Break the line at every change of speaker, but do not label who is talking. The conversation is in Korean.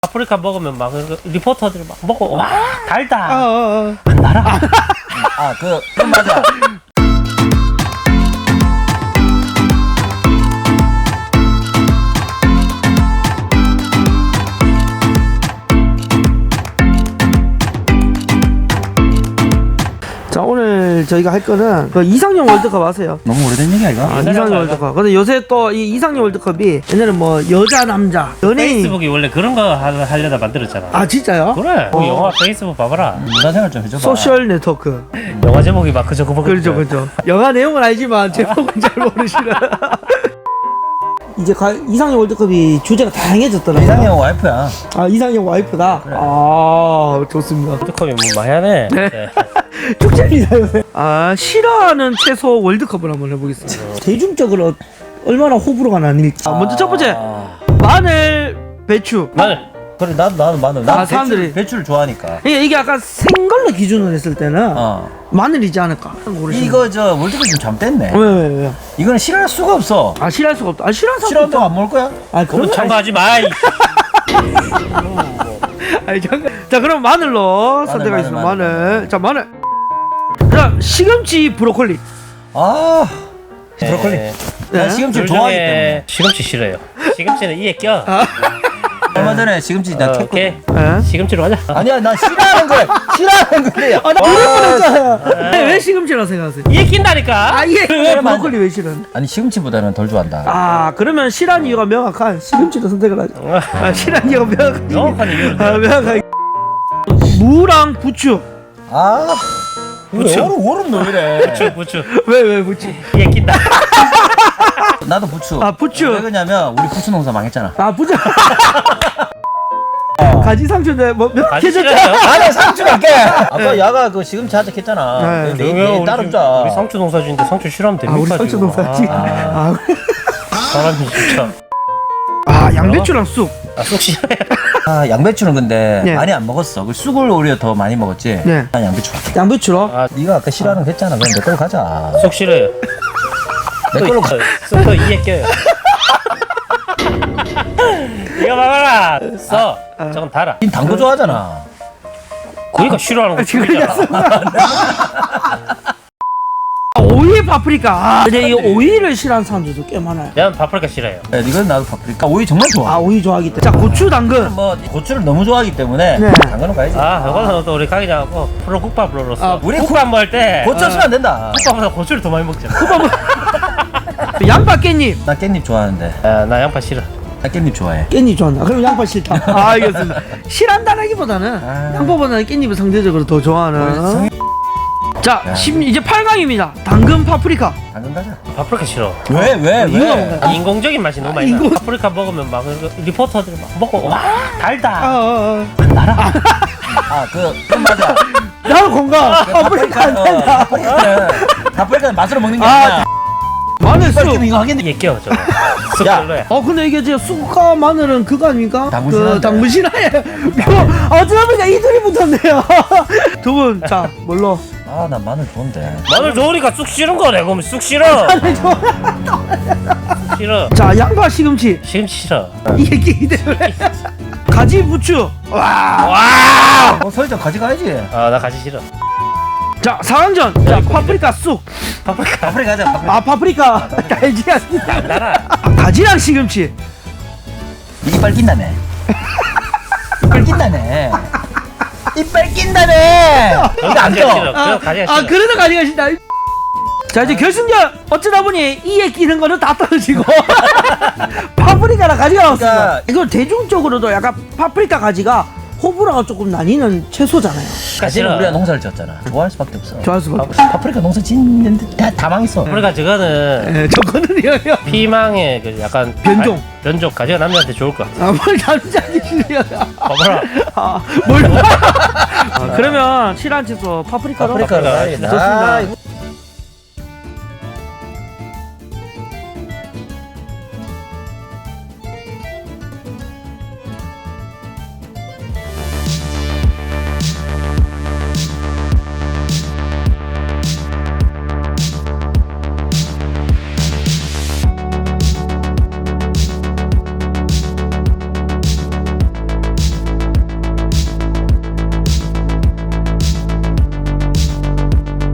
파프리카 먹으면 막 리포터들이 막 먹고 와 달다 안 달아.
그럼 맞아.
자, 오늘 저희가 할 거는 그 이상형 월드컵 아세요?
너무 오래된 얘기 아이가?
이상형 월드컵. 근데 요새 또 이 이상형 월드컵이 옛날에 뭐 여자 남자 연예인.
페이스북이 원래 그런 거 하려다 만들었잖아.
아 진짜요?
그래. 그 영화 페이스북 봐봐라.
문화생활 좀 해줘봐.
소셜 네트워크.
영화 제목이 막 그저 그거
그렇죠, 그렇죠. 영화 내용은 알지만 제목은 잘 모르시는. 이제 이상형 월드컵이 주제가 다양해졌더라고요.
이상형 와이프야.
아, 이상형 와이프다.
그래.
아, 좋습니다.
월드컵이 뭐 마야네.
네. 축제입니다 요새. 아, 싫어하는 채소 월드컵을 한번 해보겠습니다. 대중적으로 얼마나 호불호가 나뉠지. 먼저 첫 번째 마늘, 배추.
마늘.
그래 나도 마늘. 나
사람들이
배추를 좋아하니까.
이게 약간 생걸로 기준으로 했을 때는 마늘이지 않을까. 모르시는
이거 저 월드컵 좀 잘못됐네.
왜?
이거는 싫어할 수가 없어.
아, 싫어할 수가 없다. 아, 싫어하는 사람
싫어한다고 안 먹을 거야?
아,
그럼
그런
참가하지 마.
자, 그럼 마늘로 선택하겠습니다. 마늘. 자, 마늘. 자, 시금치, 브로콜리.
아 브로콜리.
네.
난 시금치를 좋아하기 때문에.
시금치 싫어요. 시금치는 이에 껴.
얼마 전에 시금치 나
오케이.
캤거든.
시금치로 하자.
아니야 나 싫어하는 거야. 싫어하는 거야.
나 브로콜리잖아요. 왜 시금치라고 생각하세요?
이에 낀다니까.
아, 예.
그러면 안
브로콜리 왜 싫어?
아니 시금치보다는 덜 좋아한다.
아, 그러면 싫어하는 이유가 명확한 시금치로 선택을 하죠. 아, 싫어하는 이유가 명확한.
명확한 이유는
명확한. 무랑 부추.
아
부추.
얼음 너 이래.
부추.
왜 부추?
이에 낀다.
나도 부추.
아, 부추.
왜 그러냐면 우리 부추 농사 망했잖아.
아, 부추. 가지 상추인데 뭐
가지
명확해졌죠?
싫어요?
아니 상추 갈게. 아까 야가 그 시금치 하자 했잖아.
네.
내 따르자.
우리 상추 농사주인데 상추 싫어하면
아,
됩니까?
우리 상추
지금?
농사지.
아, 사람이 진짜.
아, 양배추랑 쑥.
쑥 싫어해.
아 양배추는 근데
네.
많이 안 먹었어. 그 쑥을 오히려 더 많이 먹었지.
네.
난 양배추.
양배추로.
아,
네가 아까 싫어하는 거 했잖아. 그럼 내 걸로 가자.
쑥 싫어요.
내 걸로 가.
쑥도 이에 껴요. 이거 봐봐라. 써. 저건 달아.
닌 당도 좋아하잖아.
그러니까 싫어하는 거 쑥이잖아.
오이 파프리카. 아, 근데 이 오이를 싫어하는 사람들도 꽤 많아요.
난 파프리카 싫어해요.
야, 이건 나도 파프리카. 오이 정말 좋아.
아, 오이 좋아하기 때문에. 자, 고추, 당근.
뭐 고추를 너무 좋아하기 때문에
네.
당근은 가야지.
아, 이거는 또 우리 가게장하고 프로 국밥으로서
아,
우리
국밥 먹을 때
고추 없으면 안 된다.
국밥보다 고추를 더 많이 먹잖아.
양파, 깻잎.
나 깻잎 좋아하는데.
아, 나 양파 싫어.
나 깻잎 좋아해.
깻잎 좋아한다. 그럼 양파 싫다. 아, 알겠습니다. 싫어한다라기보다는 양파보다는 깻잎을 상대적으로 더 좋아하는. 자, 이제 8강입니다. 당근, 파프리카.
당근 가자.
파프리카 싫어.
왜?
이유가 뭔가요?
인공적인 맛이 너무 많이 나. 파프리카 먹으면 막 리포터들이 막 먹고 와 달다 안 달아.
그럼 맞아.
나도 공감. 파프리카 안 된다.
파프리카는 맛으로 먹는 게
아,
아니야.
마늘 쑥.
이거 하겠네.
이게 껴 저거. 쑥
야.
별로야.
근데 이게 지금 쑥과 마늘은 그거 아닙니까?
당분
그
신화인데.
당분 신화에. 어쩌다 보니까 이 둘이 붙었네요. 두 분, 자, 뭘로?
아, 난 마늘 좋은데.
마늘 좋으니까 쑥 싫은 거네. 그럼 쑥 싫어. 싫어.
자, 양파, 시금치.
시금치 싫어.
이게 끼기 때문에. 가지, 부추. 와.
와.
설정 가져가야지.
아, 나 가지 싫어.
자, 상한전. 자, 파프리카, 쑥.
파프리카
파프리카 가자. 파프리카.
아, 파프리카. 달지 않습니다.
안 달아.
가지랑 시금치.
이빨 낀다네. 이빨 낀다네. 이빨 낀다네. 근데 안
가지가
껴.
싫어. 그럼 가지가 싫어.
그래도 가져가신다. 자, 이제 결승전 어쩌다 보니 이에 끼는 거는 다 떨어지고 파프리카랑 가지가 나왔습니다.
그러니까
이거 대중적으로도 약간 파프리카 가지가 호불호가 조금 나뉘는 채소잖아요.
가지는 우리가 농사를 지었잖아. 좋아할 수밖에 없어.
좋아할 수밖에.
파프리카 농사 짓는데 다 망했어.
파프리카 저거는
네, 저거는요.
피망의 그 약간
변종.
변종 가지가 남자한테 좋을 것 같아.
아, 뭘 남자기 싫어요.
봐봐라.
뭘. 그러면 싫어하는 채소 파프리카로.
파프리카로
파프리카
가야겠다.
좋습니다.
아, 이거